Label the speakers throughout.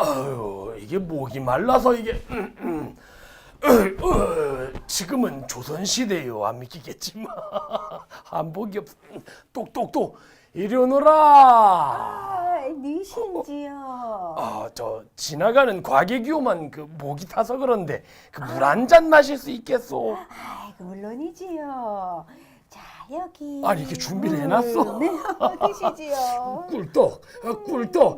Speaker 1: 아유, 이게 목이 말라서 이게 지금은 조선시대요. 안 믿기겠지만 한복이 없. 똑똑똑 이리 오너라.
Speaker 2: 아, 니신지요.
Speaker 1: 저 지나가는 과객이오만 그 목이 타서 그런데 그 물 한 잔 마실 수 있겠소?
Speaker 2: 아이고 물론이지요. 자 여기.
Speaker 1: 아니 이렇게 준비를 해놨어?
Speaker 2: 네, 드시지요.
Speaker 1: 꿀떡, 꿀떡.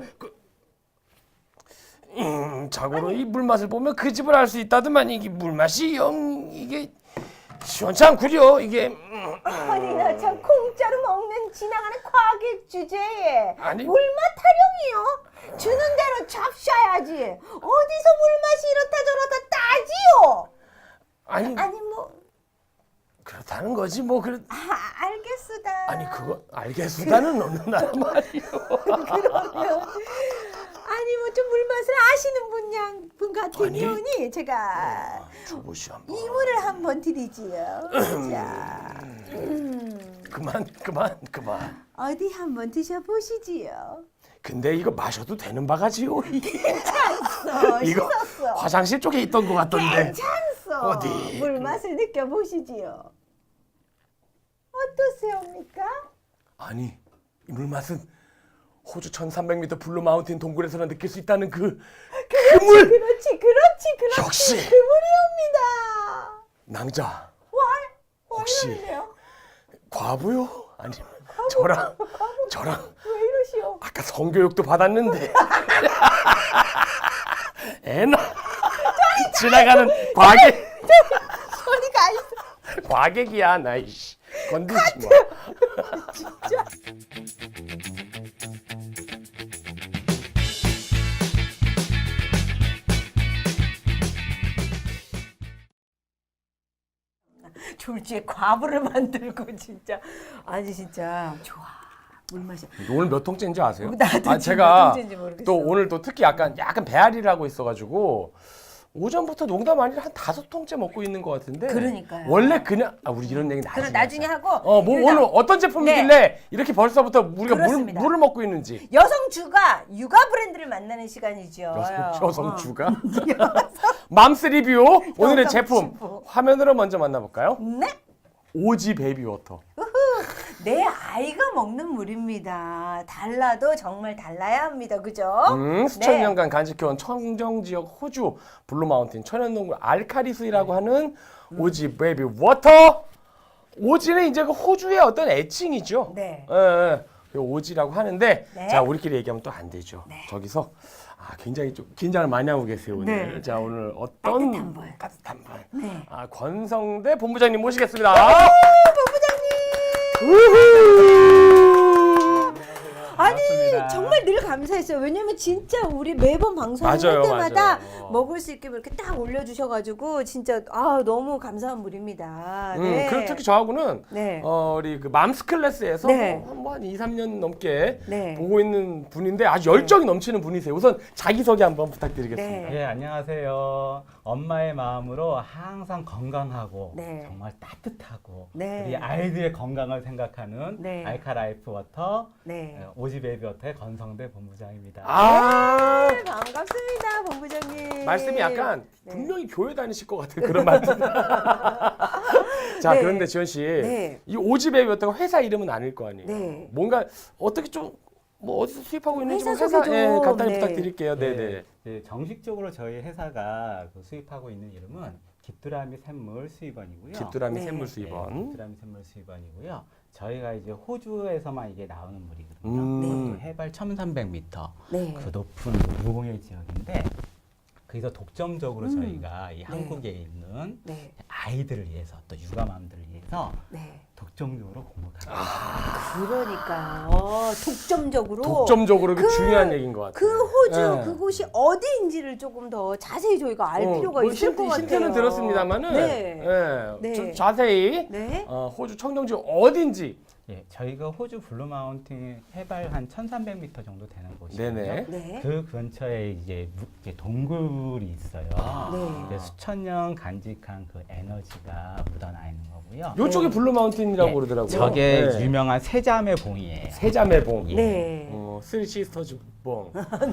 Speaker 1: 자고로 이 물맛을 보면 그 집을 알 수 있다더만 이게 물맛이 영 이게 시원치 않구려 이게.
Speaker 2: 아니나 참 공짜로 먹는 지나가는 과객 주제에
Speaker 1: 아니.
Speaker 2: 물맛 타령이요? 주는 대로 잡숴야지. 어디서 물맛이 이렇다 저렇다 따지요?
Speaker 1: 아니
Speaker 2: 아니 뭐
Speaker 1: 그렇다는 거지 뭐 그래.
Speaker 2: 알겠수다.
Speaker 1: 아니 그거 알겠수다는 어느 나라 말이요.
Speaker 2: 그러면 아니 뭐 좀 물맛을 아시는 분 같으니 제가
Speaker 1: 주보시 한번.
Speaker 2: 이물을 한번 드리지요. 자,
Speaker 1: 그만.
Speaker 2: 어디 한번 드셔보시지요.
Speaker 1: 근데 이거 마셔도 되는 바가지요.
Speaker 2: 괜찮소.
Speaker 1: 이거
Speaker 2: 씻었어.
Speaker 1: 화장실 쪽에 있던 것 같던데.
Speaker 2: 괜찮소.
Speaker 1: 어디?
Speaker 2: 물맛을 느껴보시지요. 어떠세요입니까?
Speaker 1: 아니 이 물맛은 호주 1300m 블루 마운틴 동굴에서나 느낄 수 있다는 그 물.
Speaker 2: 그렇지.
Speaker 1: 역시.
Speaker 2: 그물이옵니다.
Speaker 1: 낭자
Speaker 2: 왜
Speaker 1: 혹시
Speaker 2: 이러는데요?
Speaker 1: 과부요? 아니면 저랑
Speaker 2: 왜 이러시오?
Speaker 1: 아까 성교육도 받았는데 애나 지나가는 과객.
Speaker 2: 소리가 있어.
Speaker 1: 과객이야 나 이씨 건들지 마.
Speaker 2: 진짜. 졸지에 과부를 만들고 진짜 아니 진짜 좋아 물맛이.
Speaker 1: 오늘 몇 통째인지 아세요?
Speaker 2: 나도 지금 몇
Speaker 1: 제가
Speaker 2: 통째인지 모르겠어.
Speaker 1: 또 오늘 또 특히 약간 배앓이를 하고 있어가지고 오전부터 농담 아니라 한 5통째 먹고 있는 것 같은데.
Speaker 2: 그러니까요.
Speaker 1: 원래 그냥 우리 이런 얘기
Speaker 2: 그럼
Speaker 1: 나중에.
Speaker 2: 나중에
Speaker 1: 하자.
Speaker 2: 하고.
Speaker 1: 뭐
Speaker 2: 일단
Speaker 1: 오늘 어떤 제품이길래 이렇게 벌써부터 우리가
Speaker 2: 그렇습니다.
Speaker 1: 물을 먹고 있는지.
Speaker 2: 여성 주가 육아 브랜드를 만나는 시간이죠.
Speaker 1: 여성 주가. 맘스 리뷰 오늘의
Speaker 2: 여성
Speaker 1: 제품
Speaker 2: 주부.
Speaker 1: 화면으로 먼저 만나볼까요?
Speaker 2: 네.
Speaker 1: 오지 베이비 워터.
Speaker 2: 내 아이가 먹는 물입니다. 달라도 정말 달라야 합니다. 그죠?
Speaker 1: 수천
Speaker 2: 네.
Speaker 1: 년간 간직해온 청정 지역 호주 블루 마운틴 천연동굴 알카리 수이라고 하는 오지 베이비 워터. 오지는 이제 그 호주의 어떤 애칭이죠.
Speaker 2: 네.
Speaker 1: 그 오지라고 하는데
Speaker 2: 네.
Speaker 1: 자 우리끼리 얘기하면 또 안 되죠. 저기서 굉장히 좀 긴장을 많이 하고 계세요 오늘.
Speaker 2: 네.
Speaker 1: 자 오늘 어떤
Speaker 2: 따뜻한 분.
Speaker 1: 분.
Speaker 2: 네.
Speaker 1: 권성대 본부장님 모시겠습니다.
Speaker 2: 본부장님. 아니
Speaker 3: 반갑습니다.
Speaker 2: 정말 늘 감사했어요. 왜냐면 진짜 우리 매번 방송할
Speaker 1: 맞아요,
Speaker 2: 때마다
Speaker 1: 맞아요.
Speaker 2: 먹을 수 있게 이렇게 딱 올려주셔가지고 진짜 너무 감사한 물입니다. 네.
Speaker 1: 그리고 특히 저하고는
Speaker 2: 네.
Speaker 1: 우리 그 맘스 클래스에서
Speaker 2: 네.
Speaker 1: 한 2, 3년 넘게
Speaker 2: 네.
Speaker 1: 보고 있는 분인데 아주 열정이 넘치는 분이세요. 우선 자기소개 한번 부탁드리겠습니다.
Speaker 2: 네.
Speaker 3: 예, 안녕하세요. 엄마의 마음으로 항상 건강하고
Speaker 2: 네.
Speaker 3: 정말 따뜻하고
Speaker 2: 네.
Speaker 3: 우리 아이들의 건강을 생각하는
Speaker 2: 네.
Speaker 3: 알카라이프 워터
Speaker 2: 네.
Speaker 3: 오지 베이비 워터의 권성대 본부장입니다.
Speaker 2: 네, 반갑습니다, 본부장님.
Speaker 1: 말씀이 약간
Speaker 2: 네.
Speaker 1: 분명히 교회 다니실 것 같은 그런 말씀. 자,
Speaker 2: 네.
Speaker 1: 그런데 지원 씨,
Speaker 2: 네.
Speaker 1: 이 오지 베이비였다가 회사 이름은 아닐 거 아니에요.
Speaker 2: 네.
Speaker 1: 뭔가 어떻게 좀 뭐 어디서 수입하고 있는지 좀
Speaker 2: 회사 소개 좀.
Speaker 1: 간단히
Speaker 2: 네.
Speaker 1: 부탁드릴게요. 네, 네.
Speaker 3: 네, 정식적으로 저희 회사가 그 수입하고 있는 이름은 깃두라미 샘물 수입원이고요.
Speaker 1: 집두라미
Speaker 2: 네.
Speaker 1: 샘물
Speaker 3: 네,
Speaker 1: 수입원.
Speaker 3: 깃두라미 샘물 수입원이고요. 저희가 이제 호주에서만 이게 나오는 물이거든요.
Speaker 2: 네.
Speaker 3: 또 해발 1,300m
Speaker 2: 네.
Speaker 3: 그 높은 무공해 지역인데 거기서 독점적으로 저희가 이 한국에 있는
Speaker 2: 네.
Speaker 3: 아이들을 위해서 또 육아맘들을 위해서
Speaker 2: 네.
Speaker 3: 독점적으로 공급하고
Speaker 2: 그러니까 독점적으로
Speaker 1: 그 중요한 얘기인 것 같아요.
Speaker 2: 그 호주
Speaker 1: 네.
Speaker 2: 그곳이 어디인지를 조금 더 자세히 저희가 알 필요가
Speaker 1: 뭐
Speaker 2: 있을 것 같아요.
Speaker 1: 힌트는 들었습니다만은
Speaker 2: 네. 네.
Speaker 1: 좀 자세히
Speaker 2: 네.
Speaker 1: 호주 청정지 어딘지
Speaker 3: 예, 저희가 호주 블루 마운틴 해발 한 1,300m 정도 되는 곳이거든요.
Speaker 1: 네네.
Speaker 2: 네.
Speaker 3: 그 근처에 이제 동굴이 있어요.
Speaker 2: 네.
Speaker 3: 이제 수천 년 간직한 그 에너지가 묻어나 있는 거고요.
Speaker 1: 요쪽이 블루 마운틴이라고
Speaker 3: 예,
Speaker 1: 그러더라고요.
Speaker 3: 저게
Speaker 1: 네.
Speaker 3: 유명한 세자매 봉이에요.
Speaker 1: 세자매봉.
Speaker 3: 예.
Speaker 2: 네.
Speaker 1: 쓰리 시스터즈 봉.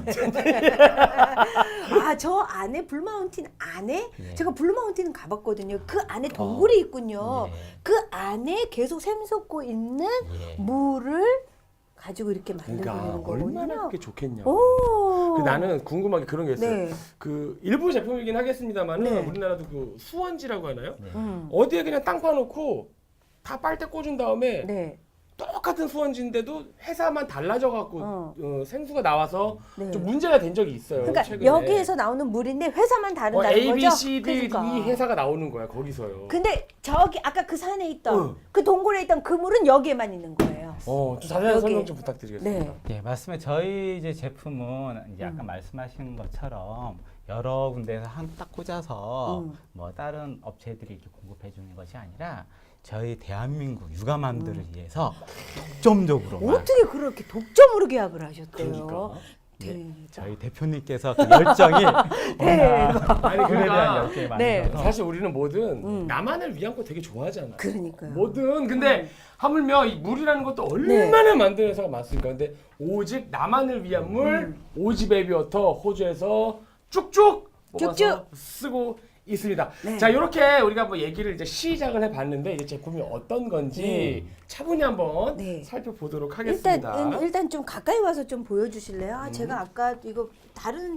Speaker 2: 아, 저 안에 블루마운틴 안에
Speaker 3: 예.
Speaker 2: 제가 블루마운틴은 가봤거든요. 그 안에 동굴이 있군요.
Speaker 3: 예.
Speaker 2: 그 안에 계속 샘솟고 있는
Speaker 3: 예.
Speaker 2: 물을 가지고 이렇게 만들고
Speaker 1: 그러니까
Speaker 2: 있는 거군요.
Speaker 1: 얼마나 그게 좋겠냐.
Speaker 2: 오.
Speaker 1: 나는 궁금한 게 그런 게 있어요.
Speaker 2: 네.
Speaker 1: 그 일부 제품이긴 하겠습니다만은
Speaker 2: 네.
Speaker 1: 우리나라도 그 수원지라고 하나요?
Speaker 3: 네.
Speaker 1: 어디에 그냥 땅 파놓고 다 빨대 꽂은 다음에
Speaker 2: 네.
Speaker 1: 똑같은 수원지인데도 회사만 달라져 갖고 생수가 나와서
Speaker 2: 네.
Speaker 1: 좀 문제가 된 적이 있어요.
Speaker 2: 그러니까
Speaker 1: 최근에.
Speaker 2: 여기에서 나오는 물인데 회사만 다른다는
Speaker 1: A, B,
Speaker 2: 거죠?
Speaker 1: C, D
Speaker 2: 그러니까.
Speaker 1: 이 회사가 나오는 거야 거기서요.
Speaker 2: 근데 저기 아까 그 산에 있던
Speaker 1: 응.
Speaker 2: 그 동굴에 있던 그 물은 여기에만 있는 거예요.
Speaker 1: 좀 자세한
Speaker 2: 여기.
Speaker 1: 설명 좀 부탁드리겠습니다.
Speaker 2: 네.
Speaker 3: 예, 맞습니다. 저희 이제 제품은 이제 아까 말씀하신 것처럼 여러 군데에서 한 딱 꽂아서 뭐 다른 업체들이 이렇게 공급해 주는 것이 아니라 저희 대한민국 육아맘들을 위해서 독점적으로만
Speaker 2: 어떻게 그렇게 독점으로 계약을 하셨대요?
Speaker 1: 그러니까.
Speaker 2: 대박.
Speaker 3: 저희 대표님께서 그 열정이 워낙
Speaker 1: 아니
Speaker 3: 그에 대한
Speaker 1: 그러니까
Speaker 3: 열정이
Speaker 2: 네.
Speaker 3: 많아서
Speaker 1: 사실 우리는 뭐든 나만을 위한 거 되게 좋아하잖아.
Speaker 2: 그러니까요.
Speaker 1: 뭐든 근데 하물며 이 물이라는 것도 얼마나 만드는 회사가 많습니까? 근데 오직 나만을 위한 물 오지 베이비 워터 호주에서 쭉쭉 뽑아서
Speaker 2: 쭉쭉.
Speaker 1: 쓰고 있습니다.
Speaker 2: 네.
Speaker 1: 자, 이렇게 우리가 뭐 얘기를 이제 시작을 해봤는데 이제 제품이 어떤 건지 차분히 한번
Speaker 2: 네.
Speaker 1: 살펴보도록 하겠습니다.
Speaker 2: 일단 좀 가까이 와서 좀 보여주실래요? 아, 제가 아까 이거 다른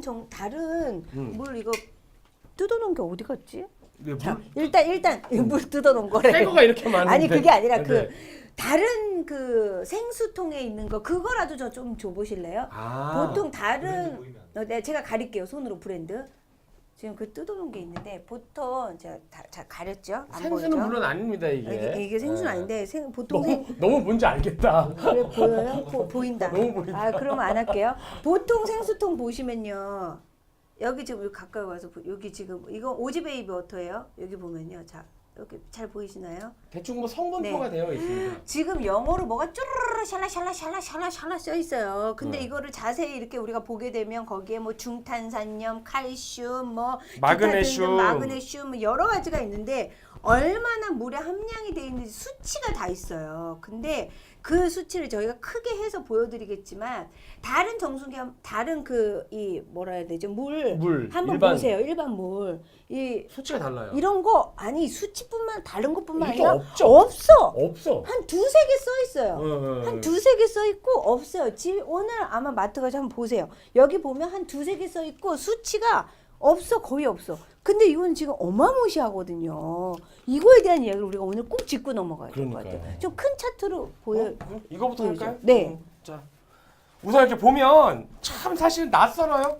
Speaker 2: 물 이거 뜯어놓은 게 어디 갔지?
Speaker 1: 네,
Speaker 2: 자, 일단 물 뜯어놓은 거래.
Speaker 1: 새 거가 이렇게 많은데.
Speaker 2: 아니 그게 아니라
Speaker 1: 네.
Speaker 2: 그 다른 그 생수통에 있는 거 그거라도 저 좀 줘보실래요? 보통 다른 네, 제가 가릴게요 손으로 브랜드. 지금 그 뜯어놓은 게 있는데 보통 제가 다 가렸죠? 안
Speaker 1: 생수는
Speaker 2: 보이죠?
Speaker 1: 물론 아닙니다 이게.
Speaker 2: 이게 생수는
Speaker 1: 네.
Speaker 2: 아닌데 보통
Speaker 1: 너무 뭔지 알겠다.
Speaker 2: 그래 보여요? 보인다.
Speaker 1: 너무 보인다.
Speaker 2: 아 그러면 안 할게요. 보통 생수통 보시면요. 여기 지금 여기 가까이 와서 여기 지금 이거 오지 베이비 워터예요. 여기 보면요. 자 이렇게 잘 보이시나요?
Speaker 1: 대충 뭐 성분표가 되어 있습니다.
Speaker 2: 지금 영어로 뭐가 쭈르르 샬라샬라 써 있어요. 근데
Speaker 1: 네.
Speaker 2: 이거를 자세히 이렇게 우리가 보게 되면 거기에 뭐 중탄산염, 칼슘, 뭐
Speaker 1: 마그네슘.
Speaker 2: 기타 등등 마그네슘 뭐 여러 가지가 있는데 얼마나 물에 함량이 돼 있는지 수치가 다 있어요. 근데 그 수치를 저희가 크게 해서 보여드리겠지만 다른 정수기와 다른 그 이 뭐라 해야 되죠? 물 한번
Speaker 1: 일반.
Speaker 2: 보세요. 일반 물. 이
Speaker 1: 수치가 달라요.
Speaker 2: 이런 거 아니 수치뿐만 다른 것뿐만
Speaker 1: 이게
Speaker 2: 아니라
Speaker 1: 없죠.
Speaker 2: 없어.
Speaker 1: 없어.
Speaker 2: 한 두세 개 써 있어요. 한 두세 개 써 있고 없어요. 오늘 아마 마트 가서 한번 보세요. 여기 보면 한 두세 개 써 있고 수치가 없어. 거의 없어. 근데 이건 지금 어마무시하거든요. 이거에 대한 이야기를 우리가 오늘 꼭 짚고 넘어가야 될 것
Speaker 1: 그러니까요.
Speaker 2: 같아요. 좀 큰 차트로 보여.
Speaker 1: 이거부터
Speaker 2: 보이죠?
Speaker 1: 할까요?
Speaker 2: 네.
Speaker 1: 자, 우선 이렇게 보면 참 사실 낯설어요.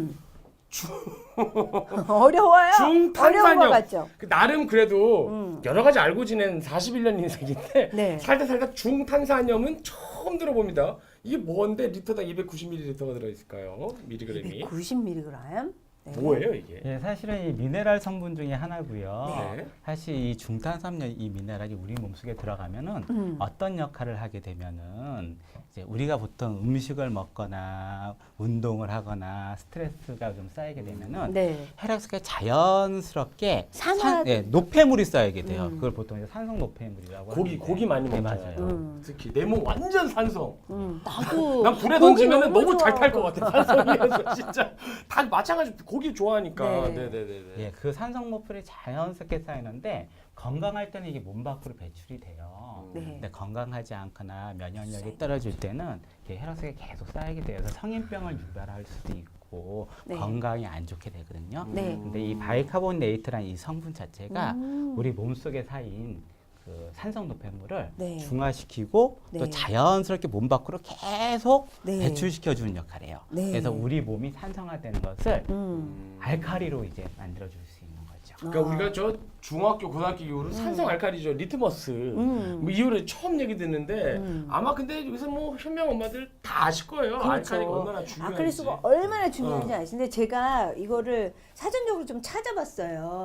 Speaker 2: 어려워요. 어려운 것
Speaker 1: 중탄산염.
Speaker 2: 같죠.
Speaker 1: 그 나름 그래도 여러 가지 알고 지낸 41년 인생인데
Speaker 2: 네.
Speaker 1: 살다 중탄산염은 처음 들어봅니다. 이게 뭔데 리터당 290ml가 들어있을까요? 미리그램이.
Speaker 2: 90mg. 네.
Speaker 1: 뭐예요 이게?
Speaker 3: 예, 사실은 이 미네랄 성분 중에 하나고요.
Speaker 1: 네.
Speaker 3: 사실 이 중탄산염 이 미네랄이 우리 몸속에 들어가면은 어떤 역할을 하게 되면은 이제 우리가 보통 음식을 먹거나 운동을 하거나 스트레스가 좀 쌓이게 되면은
Speaker 2: 네.
Speaker 3: 혈액 속에 자연스럽게
Speaker 2: 산화-
Speaker 3: 노폐물이 쌓이게 돼요. 그걸 보통 이제 산성 노폐물이라고 하는데.
Speaker 1: 고기 많이
Speaker 3: 네,
Speaker 1: 먹잖아요.
Speaker 3: 맞아요.
Speaker 1: 특히 내 몸 완전 산성.
Speaker 2: 나도
Speaker 1: 난 불에
Speaker 2: 고기
Speaker 1: 던지면 너무 잘 탈 것
Speaker 2: 좋아하고.
Speaker 1: 같아. 산성이어서 진짜 다 마찬가지. 고기 좋아하니까.
Speaker 2: 네.
Speaker 1: 네네네.
Speaker 3: 예, 그 산성 노폐물이 자연스럽게 쌓이는데 건강할 때는 이게 몸 밖으로 배출이 돼요.
Speaker 2: 네.
Speaker 3: 근데 건강하지 않거나 면역력이 떨어질 때는 이게 혈액 속에 계속 쌓이게 돼서 성인병을 유발할 수도 있고
Speaker 2: 네.
Speaker 3: 건강이 안 좋게 되거든요.
Speaker 2: 네.
Speaker 3: 근데 이 바이카보네이트라는 이 성분 자체가 우리 몸 속에 쌓인 그 산성 노폐물을
Speaker 2: 네.
Speaker 3: 중화시키고 또
Speaker 2: 네.
Speaker 3: 자연스럽게 몸 밖으로 계속
Speaker 2: 네.
Speaker 3: 배출시켜 주는 역할을 해요.
Speaker 2: 네.
Speaker 3: 그래서 우리 몸이 산성화되는 것을
Speaker 2: 음.
Speaker 3: 알카리로 이제 만들어 줄 수 있는 거죠.
Speaker 1: 그러니까 우리가 저 중학교 고등학교 이후로 산성 알칼리죠 리트머스 뭐 이후로 처음 얘기 듣는데 아마 근데 여기서 뭐 현명 엄마들 다 아실 거예요. 알칼리가 얼마나 중요한지.
Speaker 2: 아크릴수가 얼마나 중요한지 아시는데 제가 이거를 사전적으로 좀 찾아봤어요.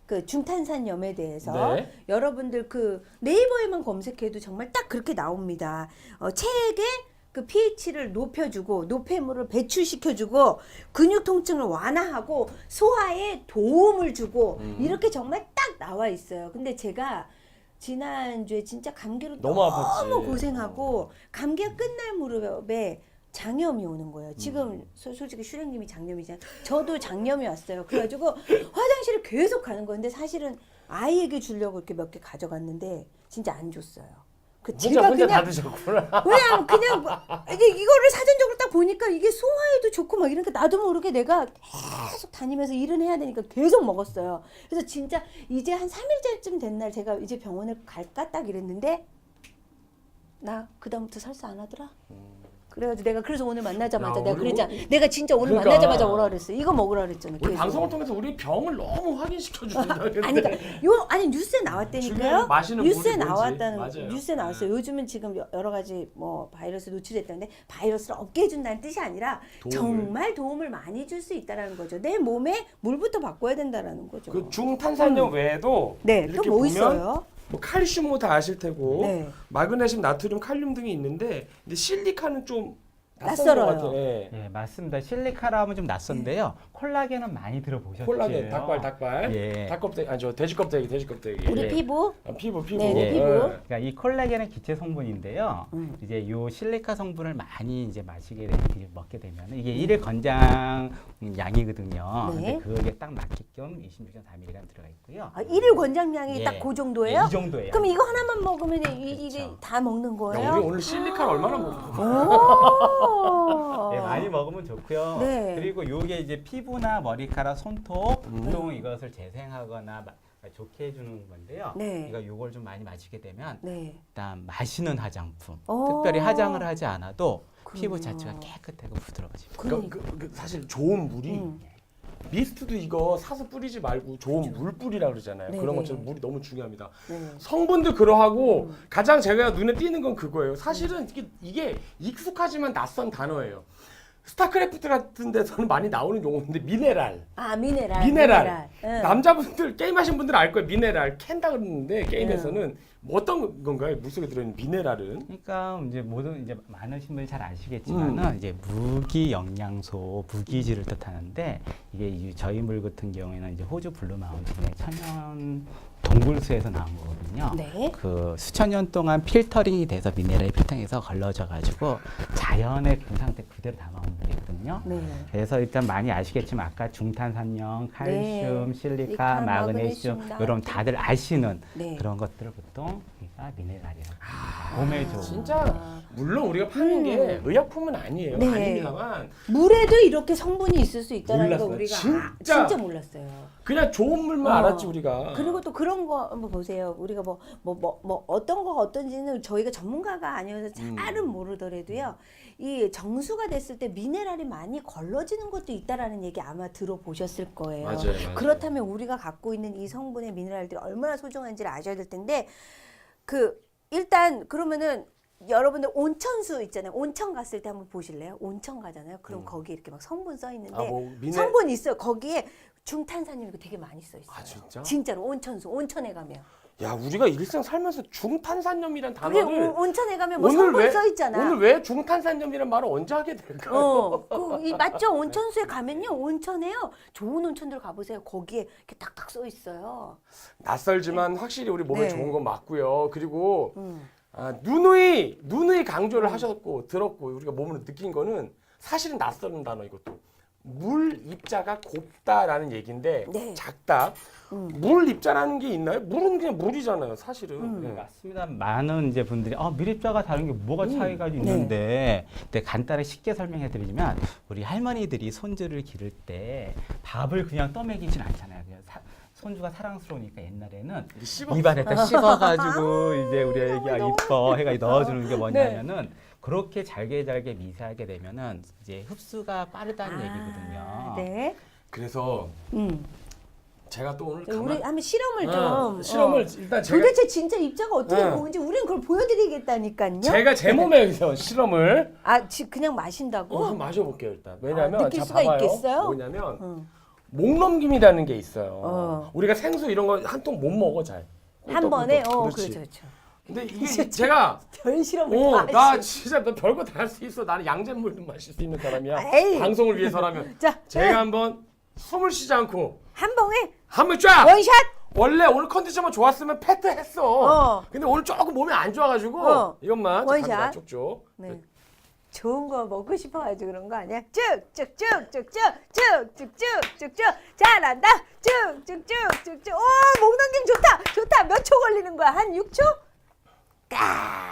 Speaker 2: 그 중탄산염에 대해서
Speaker 1: 네.
Speaker 2: 여러분들 그 네이버에만 검색해도 정말 딱 그렇게 나옵니다. 체액의 그 pH를 높여주고 노폐물을 배출시켜주고 근육 통증을 완화하고 소화에 도움을 주고 이렇게 정말 딱 나와 있어요. 근데 제가 지난주에 진짜 감기로
Speaker 1: 너무 아팠지.
Speaker 2: 고생하고 감기가 끝날 무렵에 장염이 오는 거예요. 지금 솔직히 슈령님이 장염이잖아요. 저도 장염이 왔어요. 그래가지고 화장실을 계속 가는 건데 사실은 아이에게 주려고 이렇게 몇 개 가져갔는데 진짜 안 줬어요.
Speaker 1: 혼자 다 드셨구나.
Speaker 2: 왜냐면 그냥 이거를 사전적으로 딱 보니까 이게 소화에도 좋고 막 이러니까 나도 모르게 내가 계속 다니면서 일은 해야 되니까 계속 먹었어요. 그래서 진짜 이제 한 3일째쯤 된 날 제가 이제 병원을 갈까 딱 이랬는데 나 그다음부터 설사 안 하더라. 그래가지고 내가 그래서 오늘 만나자마자
Speaker 1: 야,
Speaker 2: 내가
Speaker 1: 우리
Speaker 2: 그랬잖아. 내가 진짜 오늘
Speaker 1: 그러니까.
Speaker 2: 만나자마자 오라 그랬어. 이거 먹으라 그랬잖아.
Speaker 1: 우리
Speaker 2: 계속.
Speaker 1: 방송을 통해서 우리 병을 너무 확인시켜 준다.
Speaker 2: 아니 그러니까 아니 뉴스에 나왔다니까요.
Speaker 1: 마시는
Speaker 2: 뉴스에
Speaker 1: 물이 뭔지.
Speaker 2: 나왔다는
Speaker 1: 맞아요.
Speaker 2: 뉴스에 나왔어요. 요즘은 지금 여러 가지 뭐 바이러스 노출됐다는데 바이러스를 없게 해준다는 뜻이 아니라 정말 도움을 많이 줄 수 있다라는 거죠. 내 몸에 물부터 바꿔야 된다라는 거죠.
Speaker 1: 그 중탄산염 외에도
Speaker 2: 네,
Speaker 1: 이렇게
Speaker 2: 또 뭐
Speaker 1: 보면
Speaker 2: 있어요?
Speaker 1: 뭐 칼슘 뭐 다 아실 테고
Speaker 2: 네.
Speaker 1: 마그네슘, 나트륨, 칼륨 등이 있는데 근데 실리카는 좀
Speaker 2: 낯설어요.
Speaker 1: 것 같아요. 예.
Speaker 3: 예, 맞습니다. 실리카라 하면 좀 낯선데요. 콜라겐은 많이 들어보셨죠?
Speaker 1: 콜라겐, 닭발,
Speaker 3: 예.
Speaker 1: 닭껍데기, 아니 저 돼지 껍데기.
Speaker 2: 우리
Speaker 3: 예.
Speaker 2: 피부
Speaker 1: 피부.
Speaker 2: 네, 네,
Speaker 3: 예.
Speaker 2: 피부.
Speaker 3: 그러니까 이 콜라겐은 기체 성분인데요. 이제 요 실리카 성분을 많이 이제 먹게 되면 이게 일일 권장 양이거든요.
Speaker 2: 네.
Speaker 3: 근데 그게 딱 맞게끔 26.4mg 들어가 있고요.
Speaker 2: 아, 일일 권장량이
Speaker 3: 예.
Speaker 2: 딱 그 정도예요?
Speaker 3: 예, 이 정도예요.
Speaker 2: 그럼 이거 하나만 먹으면 이게
Speaker 3: 그렇죠.
Speaker 2: 다 먹는 거예요?
Speaker 1: 야, 우리 오늘 실리카를 얼마나 먹었어?
Speaker 2: 오.
Speaker 3: 예, 많이 먹으면 좋고요.
Speaker 2: 네.
Speaker 3: 그리고 요게 이제 피부나 머리카락, 손톱 또 이것을 재생하거나 좋게 해주는 건데요.
Speaker 2: 네.
Speaker 3: 그러니까 요걸 좀 많이 마시게 되면
Speaker 2: 네.
Speaker 3: 일단 마시는 화장품,
Speaker 2: 오.
Speaker 3: 특별히 화장을 하지 않아도 피부
Speaker 2: 그렇군요.
Speaker 3: 자체가 깨끗하고 부드러워집니다.
Speaker 1: 그러니까 사실 좋은 물이 미스트도 이거 사서 뿌리지 말고 좋은 물 뿌리라 그러잖아요.
Speaker 2: 네,
Speaker 1: 그런
Speaker 2: 네.
Speaker 1: 것처럼 물이 너무 중요합니다.
Speaker 2: 네.
Speaker 1: 성분도 그러하고 가장 제가 눈에 띄는 건 그거예요. 사실은 이게 익숙하지만 낯선 단어예요. 스타크래프트 같은 데서는 많이 나오는 용어인데 미네랄.
Speaker 2: 아 미네랄.
Speaker 1: 미네랄.
Speaker 2: 응.
Speaker 1: 남자분들 게임하신 분들은 알 거예요. 미네랄 캔다 그러는데 게임에서는 뭐 어떤 건가요? 물속에 들어있는 미네랄은?
Speaker 3: 그러니까 이제 모든 이제 많으신 분이 잘 아시겠지만은 이제 무기 영양소, 무기질을 뜻하는데 이게 저희 물 같은 경우에는 이제 호주 블루 마운틴의 천연 동굴수에서 나온 거거든요.
Speaker 2: 네.
Speaker 3: 그 수천 년 동안 필터링이 돼서 미네랄이 필터링해서 걸러져 가지고 자연의 그 상태 그대로 담아온 물이거든요.
Speaker 2: 네.
Speaker 3: 그래서 일단 많이 아시겠지만 아까 중탄산염, 칼슘,
Speaker 2: 네.
Speaker 3: 실리카,
Speaker 2: 실리카,
Speaker 3: 마그네슘
Speaker 2: 마그네슘,
Speaker 3: 이런 다들 아시는
Speaker 2: 네.
Speaker 3: 그런 것들을 보통 우리가 미네랄이라고 합니다. 몸에 좋은.
Speaker 1: 진짜 물론 우리가 파는 게 의약품은 아니에요.
Speaker 2: 네.
Speaker 1: 아닙니다만
Speaker 2: 물에도 이렇게 성분이 있을 수 있다는 거
Speaker 1: 몰랐어요.
Speaker 2: 우리가
Speaker 1: 진짜
Speaker 2: 몰랐어요.
Speaker 1: 그냥 좋은 물만 알았지 우리가.
Speaker 2: 그리고 또 그런 거 한번 보세요. 우리가 뭐 어떤 거가 어떤지는 저희가 전문가가 아니어서 잘은 모르더라도요. 이 정수가 됐을 때 미네랄이 많이 걸러지는 것도 있다라는 얘기 아마 들어보셨을 거예요.
Speaker 1: 맞아요.
Speaker 2: 그렇다면 우리가 갖고 있는 이 성분의 미네랄들이 얼마나 소중한지를 아셔야 될 텐데 일단 그러면은 여러분들 온천수 있잖아요. 온천 갔을 때 한번 보실래요? 온천 가잖아요. 그럼 거기 이렇게 막 성분 써 있는데 성분 있어요. 거기에 중탄산염 이거 되게 많이 써 있어요.
Speaker 1: 아 진짜?
Speaker 2: 진짜로 온천에 가면.
Speaker 1: 야 우리가 일상 살면서 중탄산염이란
Speaker 2: 그게
Speaker 1: 단어를
Speaker 2: 온천에 가면 뭐 성분 써 있잖아.
Speaker 1: 오늘 왜 중탄산염이란 말을 언제 하게 될까요?
Speaker 2: 맞죠? 온천수에 가면요. 온천에요. 좋은 온천들 가보세요. 거기에 이렇게 딱딱 써 있어요.
Speaker 1: 낯설지만 확실히 우리 몸에
Speaker 2: 네.
Speaker 1: 좋은 건 맞고요. 그리고 누누이 강조를 하셨고 들었고 우리가 몸으로 느낀 거는 사실은 낯설은 단어 이것도. 물 입자가 곱다라는 얘기인데
Speaker 2: 네.
Speaker 1: 작다. 물 입자라는 게 있나요? 물은 그냥 물이잖아요, 사실은. 네.
Speaker 3: 맞습니다. 많은 이제 분들이 밀입자가 다른 게 뭐가 차이가 있는데 근데 간단히 쉽게 설명해 드리자면 우리 할머니들이 손주를 기를 때 밥을 그냥 떠먹이진 않잖아요. 그냥 손주가 사랑스러우니까 옛날에는 입안에다 씹어가지고 이제 우리 애기가 이뻐 해가 넣어주는 게 뭐냐면은 그렇게 잘게 미세하게 되면은 이제 흡수가 빠르다는 얘기거든요.
Speaker 2: 네.
Speaker 1: 그래서 제가 또 오늘
Speaker 2: 우리 한번 실험을 좀.
Speaker 1: 실험을 일단 제가
Speaker 2: 도대체 진짜 입자가 어떻게 보는지 우리는 그걸 보여드리겠다니까요.
Speaker 1: 제가 제 몸에 여기서 실험을
Speaker 2: 그냥 마신다고?
Speaker 1: 한번 마셔볼게요 일단. 왜냐면
Speaker 2: 느낄
Speaker 1: 자
Speaker 2: 수가
Speaker 1: 봐봐요.
Speaker 2: 있겠어요?
Speaker 1: 뭐냐면 목넘김이라는 게 있어요.
Speaker 2: 어.
Speaker 1: 우리가 생수 이런 거 한 통 못 먹어 잘.
Speaker 2: 한 번에
Speaker 1: 그렇지.
Speaker 2: 그렇죠.
Speaker 1: 근데 이게 제가
Speaker 2: 별 실험을 다
Speaker 1: 나
Speaker 2: 하시.
Speaker 1: 진짜 너 별거 다 할 수 있어. 나는 양잿물도 마실 수 있는 사람이야.
Speaker 2: 에이.
Speaker 1: 방송을 위해서라면.
Speaker 2: 자,
Speaker 1: 제가 한번 숨을 쉬지 않고
Speaker 2: 한 방에
Speaker 1: 한번 쫙.
Speaker 2: 원샷.
Speaker 1: 원래 오늘 컨디션만 좋았으면 패트 했어.
Speaker 2: 어.
Speaker 1: 근데 오늘 조금 몸이 안 좋아가지고 이것만
Speaker 2: 원샷.
Speaker 1: 갑니다, 쪽쪽.
Speaker 2: 네. 좋은 거 먹고 싶어가지고 그런 거 아니야? 쭉쭉쭉쭉쭉쭉쭉쭉쭉쭉 잘한다. 쭉쭉쭉쭉쭉. 오, 목 넘김 좋다. 좋다. 몇 초 걸리는 거야? 한 6초? 까.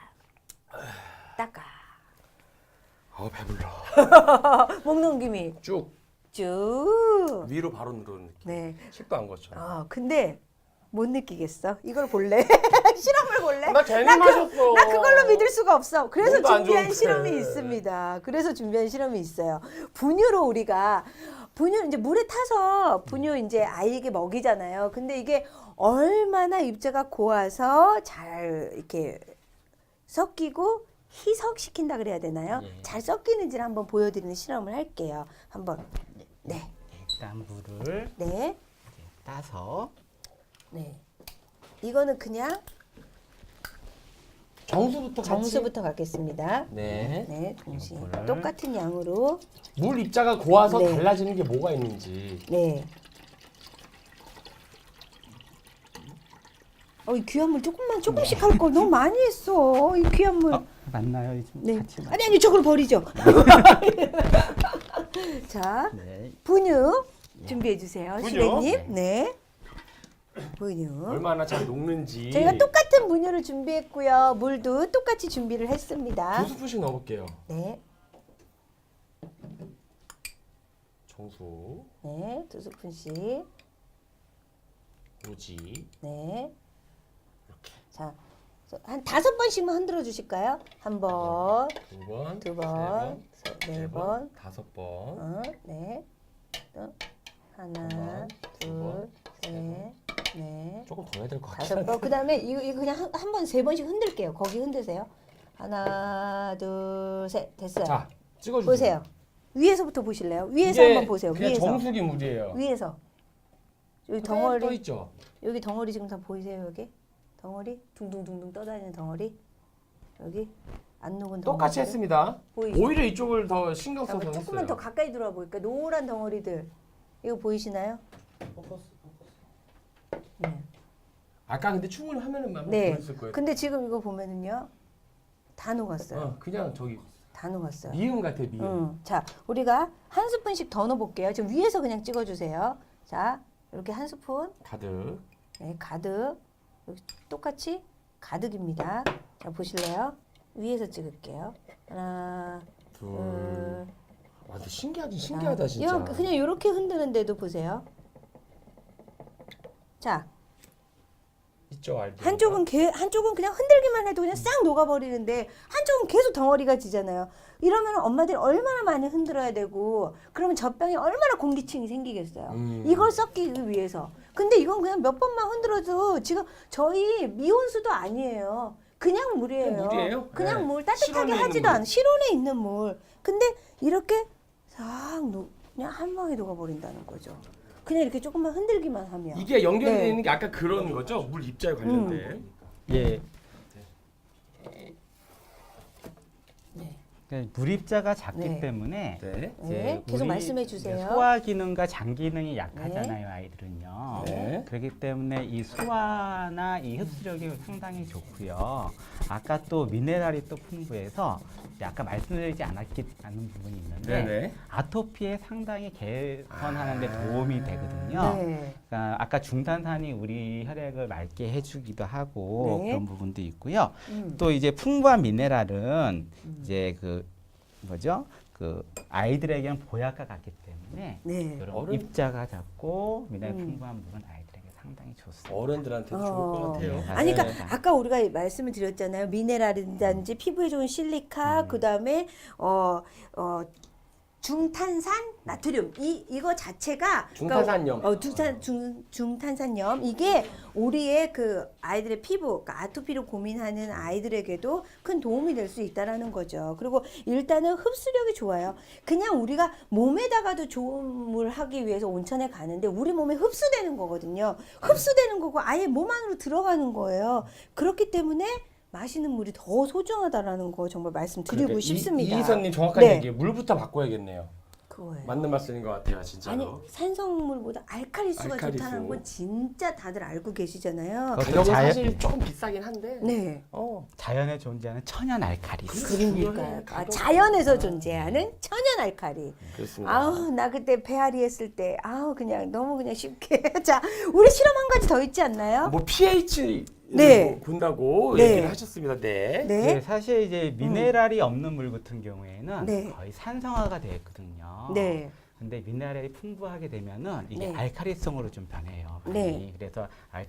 Speaker 2: 따까.
Speaker 1: 배불러.
Speaker 2: 목 넘김이
Speaker 1: 쭉
Speaker 2: 쭉.
Speaker 1: 위로 바로 누르는 느낌.
Speaker 2: 네.
Speaker 1: 식도 안 거쳐.
Speaker 2: 근데 못 느끼겠어. 이걸 볼래? 실험을 볼래?
Speaker 1: 나 괜히
Speaker 2: 나
Speaker 1: 마셨어.
Speaker 2: 나 그걸로 믿을 수가 없어. 그래서
Speaker 1: 몸도 안
Speaker 2: 준비한
Speaker 1: 좋은데.
Speaker 2: 실험이 있습니다. 그래서 준비한 실험이 있어요. 분유로 우리가 분유 이제 물에 타서 분유 이제 아이에게 먹이잖아요. 근데 이게 얼마나 입자가 고와서 잘 이렇게 섞이고 희석시킨다 그래야 되나요?
Speaker 3: 예.
Speaker 2: 잘 섞이는지를 한번 보여드리는 실험을 할게요. 한번. 네.
Speaker 3: 일단 물을
Speaker 2: 네.
Speaker 3: 따서
Speaker 2: 네. 이거는 그냥
Speaker 1: 정수부터 같이.
Speaker 2: 정수부터 갖겠습니다.
Speaker 1: 네.
Speaker 2: 네, 동시에
Speaker 3: 이거를.
Speaker 2: 똑같은 양으로.
Speaker 1: 물 입자가 고와서
Speaker 2: 네.
Speaker 1: 달라지는 게 뭐가 있는지.
Speaker 2: 네. 이 귀한 물 조금씩 할 걸 너무 많이 했어. 이 귀한 물.
Speaker 3: 맞나요? 좀
Speaker 2: 네.
Speaker 3: 같이
Speaker 2: 아니 저걸 버리죠. 자,
Speaker 3: 네.
Speaker 2: 분유 준비해 주세요,
Speaker 1: 분유?
Speaker 2: 실행님. 네. 분유.
Speaker 1: 얼마나 잘 녹는지.
Speaker 2: 저희가 똑같은 분유를 준비했고요. 물도 똑같이 준비를 했습니다.
Speaker 1: 2스푼씩 넣어볼게요.
Speaker 2: 네.
Speaker 1: 정수,
Speaker 2: 네, 2스푼씩.
Speaker 1: 우지.
Speaker 2: 네. 자, 한 5번씩만 흔들어 주실까요? 한 번,
Speaker 1: 두 번,
Speaker 2: 두
Speaker 1: 세
Speaker 2: 번,
Speaker 1: 네
Speaker 2: 네 번,
Speaker 1: 다섯 번.
Speaker 2: 네. 또 하나,
Speaker 1: 번, 두
Speaker 2: 둘,
Speaker 1: 번,
Speaker 2: 셋, 넷,
Speaker 1: 조금 더 해야 될 것
Speaker 2: 다섯
Speaker 1: 같아.
Speaker 2: 번. 그다음에 이거 그냥 한 번 3번씩 흔들게요. 거기 흔드세요. 하나, 둘, 셋. 됐어요.
Speaker 1: 자, 찍어주세요.
Speaker 2: 보세요. 위에서부터 보실래요? 위에서
Speaker 1: 이게
Speaker 2: 한번 보세요.
Speaker 1: 그냥
Speaker 2: 위에서.
Speaker 1: 정수기 물이에요.
Speaker 2: 위에서. 여기
Speaker 1: 떠
Speaker 2: 덩어리.
Speaker 1: 있죠.
Speaker 2: 여기 덩어리 지금 다 보이세요? 여기 덩어리 둥둥둥둥 떠다니는 덩어리 여기 안 녹은 덩어리
Speaker 1: 똑같이 했습니다.
Speaker 2: 보이죠?
Speaker 1: 오히려 이쪽을 더 신경 써서 했어요.
Speaker 2: 조금만 더 가까이 들어와 보니까 노란 덩어리들 이거 보이시나요? 네.
Speaker 1: 아까 근데 충분히 화면에만
Speaker 2: 네.
Speaker 1: 보였을 거예요.
Speaker 2: 근데 지금 이거 보면은요 다 녹았어요.
Speaker 1: 그냥 저기
Speaker 2: 다 녹았어요.
Speaker 1: 미음 같아 미음.
Speaker 2: 자, 우리가 한 스푼씩 더 넣어볼게요. 지금 위에서 그냥 찍어주세요. 자, 이렇게 한 스푼.
Speaker 1: 가득.
Speaker 2: 네, 가득. 여기 똑같이 가득입니다. 자, 보실래요? 위에서 찍을게요. 하나,
Speaker 1: 둘.
Speaker 2: 둘.
Speaker 1: 와, 근데 신기하다 진짜.
Speaker 2: 이렇게, 그냥 이렇게 흔드는데도 보세요. 자,
Speaker 1: 있죠 알죠.
Speaker 2: 한쪽은 그냥 흔들기만 해도 그냥 싹 녹아버리는데 한쪽은 계속 덩어리가 지잖아요. 이러면 엄마들이 얼마나 많이 흔들어야 되고 그러면 젖병에 얼마나 공기층이 생기겠어요. 이걸 섞기 위해서. 근데 이건 그냥 몇 번만 흔들어도 지금 저희 미온수도 아니에요. 그냥 물이에요.
Speaker 1: 그냥 물이에요?
Speaker 2: 그냥
Speaker 1: 네.
Speaker 2: 물 따뜻하게
Speaker 1: 실온에 있는
Speaker 2: 하지도
Speaker 1: 물.
Speaker 2: 않아. 실온에 있는 물. 근데 이렇게 싹 그냥 한 방에 녹아버린다는 거죠. 그냥 이렇게 조금만 흔들기만 하면.
Speaker 1: 이게 연결이
Speaker 2: 네.
Speaker 1: 되어 있는 게 아까 그런 거죠? 물 입자에 관련된.
Speaker 3: 예.
Speaker 2: 네.
Speaker 3: 그러니까 물입자가 작기
Speaker 2: 네.
Speaker 3: 때문에
Speaker 1: 네.
Speaker 2: 네, 계속
Speaker 3: 우리
Speaker 2: 말씀해 주세요.
Speaker 3: 소화 기능과 장 기능이 약하잖아요, 아이들은요.
Speaker 1: 네.
Speaker 3: 그렇기 때문에 이 소화나 이 흡수력이 상당히 좋고요. 아까 또 미네랄이 또 풍부해서 이제 아까 말씀드리지 않은 부분이 있는데
Speaker 1: 네네.
Speaker 3: 아토피에 상당히 개선하는 데 도움이 되거든요.
Speaker 2: 네.
Speaker 3: 그러니까 아까 중탄산이 우리 혈액을 맑게 해주기도 하고
Speaker 2: 네.
Speaker 3: 그런 부분도 있고요.
Speaker 2: 음.
Speaker 3: 또 이제 풍부한 미네랄은 이제 그 뭐죠? 그 아이들에게는 보약과 같기 때문에
Speaker 2: 네.
Speaker 3: 이런
Speaker 1: 어른-
Speaker 3: 입자가 작고 미네랄 풍부한 물은 아이들에게 상당히 좋습니다.
Speaker 1: 어른들한테도 좋을 것 같아요.
Speaker 3: 네.
Speaker 2: 아니, 그러니까
Speaker 3: 맞아요.
Speaker 2: 아까 우리가 말씀을 드렸잖아요. 미네랄이든지 피부에 좋은 실리카, 그다음에 중탄산 나트륨 이거 자체가
Speaker 1: 중탄산염.
Speaker 2: 중탄산염 이게 우리의 그 아이들의 피부 그러니까 아토피로 고민하는 아이들에게도 큰 도움이 될 수 있다라는 거죠. 그리고 일단은 흡수력이 좋아요. 그냥 우리가 몸에다가도 좋음을 하기 위해서 온천에 가는데 우리 몸에 흡수되는 거거든요. 흡수되는 거고 아예 몸 안으로 들어가는 거예요. 그렇기 때문에 마시는 물이 더 소중하다라는 거 정말 말씀드리고
Speaker 1: 그러니까
Speaker 2: 싶습니다.
Speaker 1: 이희선님 정확한
Speaker 2: 네.
Speaker 1: 얘기. 물부터 바꿔야겠네요.
Speaker 2: 그거예요.
Speaker 1: 맞는 말씀인 것 같아요, 진짜로.
Speaker 2: 아니 산성물보다 알칼리수가
Speaker 1: 알칼리수.
Speaker 2: 좋다는 건 진짜 다들 알고 계시잖아요.
Speaker 3: 그것도
Speaker 1: 가격은
Speaker 3: 자연-
Speaker 1: 사실 조금 비싸긴 한데.
Speaker 2: 네.
Speaker 3: 자연에 존재하는 천연 알칼리수.
Speaker 2: 그러니까요.
Speaker 1: 가격.
Speaker 2: 자연에서 존재하는 천연 알칼리.
Speaker 1: 그렇습니다.
Speaker 2: 아우 나 그때 배앓이 했을 때 아우 그냥 너무 그냥 쉽게 자 우리 실험 한 가지 더 있지 않나요?
Speaker 1: 뭐 pH
Speaker 2: 네.
Speaker 1: 본다고
Speaker 2: 네.
Speaker 1: 얘기를 하셨습니다. 네.
Speaker 2: 네.
Speaker 3: 네, 사실 이제 미네랄이 없는 물 같은 경우에는
Speaker 2: 네.
Speaker 3: 거의 산성화가 되어 있거든요.
Speaker 2: 네.
Speaker 3: 근데 미네랄이 풍부하게 되면은 이게
Speaker 2: 네.
Speaker 3: 알칼리성으로 좀 변해요. 많이.
Speaker 2: 네.
Speaker 3: 그래서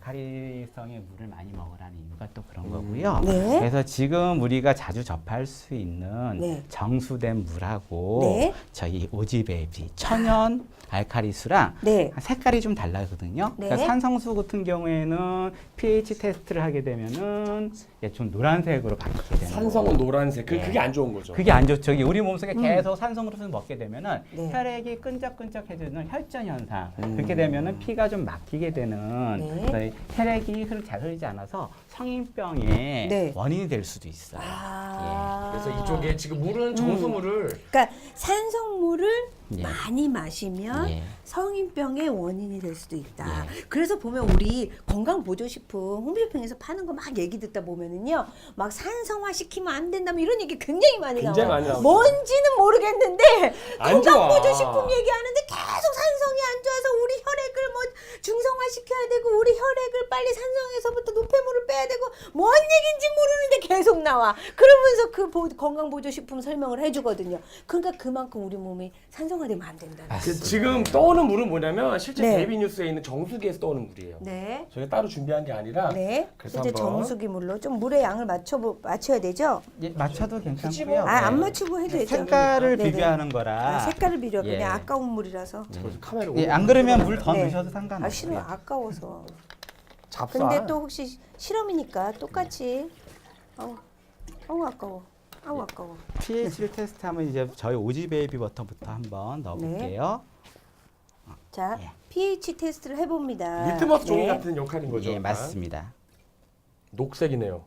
Speaker 3: 알칼리성의 물을 많이 먹으라는 이유가 또 그런 거고요.
Speaker 2: 네.
Speaker 3: 그래서 지금 우리가 자주 접할 수 있는
Speaker 2: 네.
Speaker 3: 정수된 물하고
Speaker 2: 네.
Speaker 3: 저희 오지베이비 천연 알칼리수랑
Speaker 2: 네.
Speaker 3: 색깔이 좀 달라거든요.
Speaker 2: 네.
Speaker 3: 그러니까 산성수 같은 경우에는 pH 테스트를 하게 되면은 이게 좀 노란색으로 바뀌게 되는
Speaker 1: 산성은
Speaker 3: 거고.
Speaker 1: 노란색.
Speaker 3: 네.
Speaker 1: 그게 안 좋은 거죠.
Speaker 3: 그게 안 좋죠. 이게 우리 몸속에 계속 산성으로서 먹게 되면은
Speaker 2: 네.
Speaker 3: 혈액이 끈적끈적해지는 혈전 현상. 그렇게 되면은 피가 좀 막히게 되는
Speaker 2: 네.
Speaker 3: 그래서 혈액이 잘 흐르지 않아서 성인병의
Speaker 2: 네.
Speaker 3: 원인이 될 수도 있어요.
Speaker 2: 아.
Speaker 1: 그래서 이쪽에 지금 물은 정수물을
Speaker 2: 그러니까 산성물을
Speaker 3: 예.
Speaker 2: 많이 마시면
Speaker 3: 예.
Speaker 2: 성인병의 원인이 될 수도 있다.
Speaker 3: 예.
Speaker 2: 그래서 보면 우리 건강보조식품 홈쇼핑에서 파는 거 막 얘기 듣다 보면은요, 막 산성화 시키면 안 된다, 뭐 이런 얘기 굉장히 많이
Speaker 1: 굉장히
Speaker 2: 나와요.
Speaker 1: 많이 나오죠.
Speaker 2: 뭔지는 모르겠는데
Speaker 1: 안 좋아.
Speaker 2: 건강보조식품 얘기하는데 계속 산성이 안 좋아서 우리 혈액을 뭐 중성화 시켜야 되고 우리 혈액을 빨리 산성에서부터 노폐물을 빼야 되고 뭔 얘기인지 모르는데 계속 나와. 그러면서 그 건강보조식품 설명을 해주거든요. 그러니까 그만큼 우리 몸이 산성화되면 안 된다.
Speaker 1: 지금 떠오는 물은 뭐냐면 실제
Speaker 2: 네.
Speaker 1: 베이비 뉴스에 있는 정수기에서 떠오는 물이에요.
Speaker 2: 네.
Speaker 1: 저희가 따로 준비한 게 아니라
Speaker 2: 네.
Speaker 1: 그래서
Speaker 2: 이제
Speaker 1: 한번
Speaker 2: 정수기 물로 좀 물의 양을 맞춰야 되죠.
Speaker 3: 예, 맞춰도
Speaker 1: 굳이
Speaker 3: 괜찮고요.
Speaker 1: 뭐-
Speaker 2: 아, 안
Speaker 3: 네.
Speaker 2: 맞추고 해도 되죠.
Speaker 3: 색깔을
Speaker 2: 네네.
Speaker 3: 비교하는 거라.
Speaker 2: 아, 색깔을 비려
Speaker 3: 예.
Speaker 2: 그냥 아까운 물이라서.
Speaker 1: 카메라
Speaker 3: 예, 안 그러면 물 더
Speaker 2: 네.
Speaker 3: 넣으셔도
Speaker 2: 아
Speaker 3: 상관없어요.
Speaker 2: 싫어 아까워서.
Speaker 1: 잡사.
Speaker 2: 근데 또 혹시 실험이니까 똑같이. 아우 아까워. 아우 아까워.
Speaker 3: pH를 테스트하면 이제 저희 오지베이비 워터부터 한번 넣어볼게요.
Speaker 2: 자
Speaker 3: 예.
Speaker 2: pH 테스트를 해봅니다.
Speaker 1: 리트머스 종이
Speaker 2: 네.
Speaker 1: 같은 역할인 거죠.
Speaker 3: 예,
Speaker 1: 약간.
Speaker 3: 맞습니다.
Speaker 1: 녹색이네요.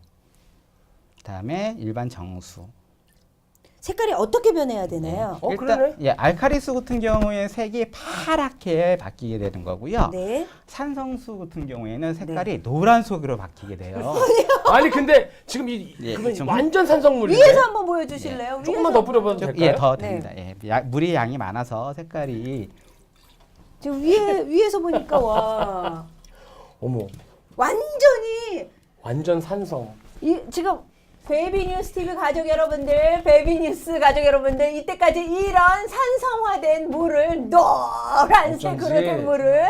Speaker 3: 그다음에 일반 정수.
Speaker 2: 색깔이 어떻게 변해야 되나요?
Speaker 1: 그러네.
Speaker 3: 예, 알칼리수 같은 경우에 색이 파랗게 바뀌게 되는 거고요.
Speaker 2: 네.
Speaker 3: 산성수 같은 경우에는 색깔이 노란색으로 바뀌게 돼요.
Speaker 1: 아니 근데 지금 이
Speaker 3: 예,
Speaker 1: 그러면
Speaker 3: 좀-
Speaker 1: 완전 산성물인데.
Speaker 2: 위에서 한번 보여주실래요?
Speaker 1: 조금만
Speaker 2: 위에서.
Speaker 1: 더 뿌려봐도
Speaker 3: 좀,
Speaker 1: 될까요?
Speaker 3: 예, 더
Speaker 2: 네.
Speaker 3: 됩니다. 예, 물의 양이 많아서 색깔이
Speaker 2: 지금 위에서 보니까 와
Speaker 1: 어머,
Speaker 2: 완전히
Speaker 1: 완전 산성.
Speaker 2: 지금 베이비뉴스 TV 가족 여러분들, 베이비뉴스 가족 여러분들, 이때까지 이런 산성화된 물을 노란색으로
Speaker 1: 어쩐지.
Speaker 2: 된 물을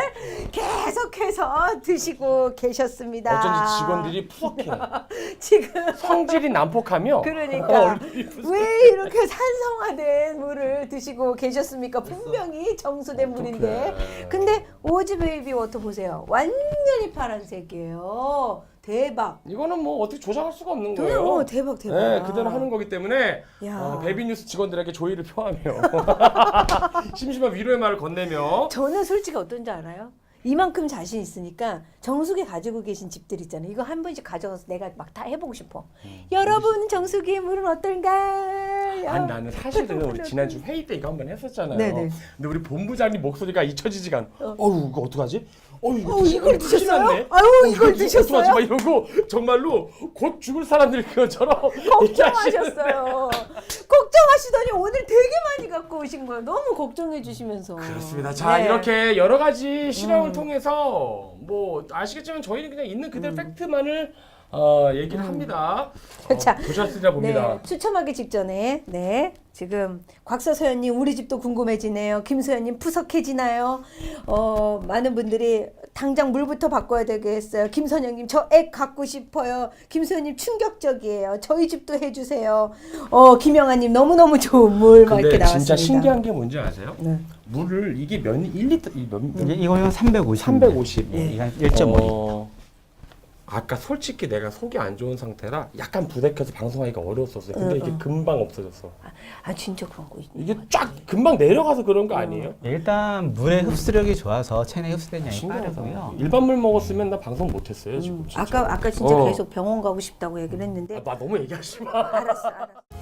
Speaker 2: 계속해서 드시고 계셨습니다.
Speaker 1: 어쩐지 직원들이 푸석해.
Speaker 2: 지금
Speaker 1: 성질이 난폭하며.
Speaker 2: 그러니까
Speaker 1: 얼굴이 푸석해.
Speaker 2: 왜 이렇게 산성화된 물을 드시고 계셨습니까? 분명히 정수된 물인데.
Speaker 1: 어떡해.
Speaker 2: 근데 오지 베이비 워터 보세요. 완전히 파란색이에요. 대박.
Speaker 1: 이거는 뭐 어떻게 조작할 수가 없는
Speaker 2: 그냥
Speaker 1: 거예요.
Speaker 2: 대박.
Speaker 1: 네, 그대로 하는 거기 때문에
Speaker 2: 야.
Speaker 1: 베비뉴스 직원들에게 조의를 표하며 심심한 위로의 말을 건네며
Speaker 2: 저는 솔직히 어떤지 알아요? 이만큼 자신 있으니까 정수기 가지고 계신 집들 있잖아요. 이거 한 번씩 가져가서 내가 막 다 해보고 싶어. 여러분 정수기의 물은 어떨까요?
Speaker 1: 아니 나는 사실은 우리 지난주 회의 때 이거 한번 했었잖아요.
Speaker 2: 네네.
Speaker 1: 근데 우리 본부장님 목소리가 잊혀지지가 않아. 어우 이거 어떡하지?
Speaker 2: 이걸
Speaker 1: 큰일
Speaker 2: 드셨어요?
Speaker 1: 났네.
Speaker 2: 아유, 이걸
Speaker 1: 이거
Speaker 2: 드셨어요?
Speaker 1: 어떡하지? 막 이러고 정말로 곧 죽을 사람들 그것처럼
Speaker 2: 걱정하셨어요. 걱정하시더니 오늘 되게 많이 갖고 오신 거예요. 너무 걱정해 주시면서.
Speaker 1: 그렇습니다. 자
Speaker 2: 네.
Speaker 1: 이렇게 여러 가지 실험을 통해서 뭐 아시겠지만 저희는 그냥 있는 그대로 팩트만을 얘기를 합니다.
Speaker 2: 자,
Speaker 1: 보셨으리라 봅니다.
Speaker 2: 네, 추첨하기 직전에 지금 곽서서연님 우리 집도 궁금해지네요. 김소연님 푸석해지나요? 많은 분들이 당장 물부터 바꿔야 되겠어요. 김선영님 저 액 갖고 싶어요. 김선영님 충격적이에요. 저희 집도 해주세요. 김영아님 너무너무 좋은 물 막 이렇게
Speaker 1: 근데
Speaker 2: 나왔습니다.
Speaker 1: 진짜 신기한 게 뭔지 아세요?
Speaker 2: 네.
Speaker 1: 물을 이게 몇 1리터
Speaker 3: 이거는 350.
Speaker 1: 350.
Speaker 3: 이건 1.5.
Speaker 1: 아까 솔직히 내가 속이 안 좋은 상태라 약간 부대껴서 방송하기가 어려웠었어요. 근데 이게 금방 없어졌어.
Speaker 2: 아 진짜 그런 거 있네.
Speaker 1: 이게 쫙 금방 내려가서 그런 거 아니에요?
Speaker 3: 일단 물의 흡수력이 좋아서 체내 흡수된 양이
Speaker 1: 신기하다.
Speaker 3: 빠르고요.
Speaker 1: 일반 물 먹었으면 나 방송 못했어요 지금. 진짜.
Speaker 2: 아까 진짜
Speaker 1: 어.
Speaker 2: 계속 병원 가고 싶다고 얘기를 했는데
Speaker 1: 나 너무 얘기하지 마.
Speaker 2: 알았어.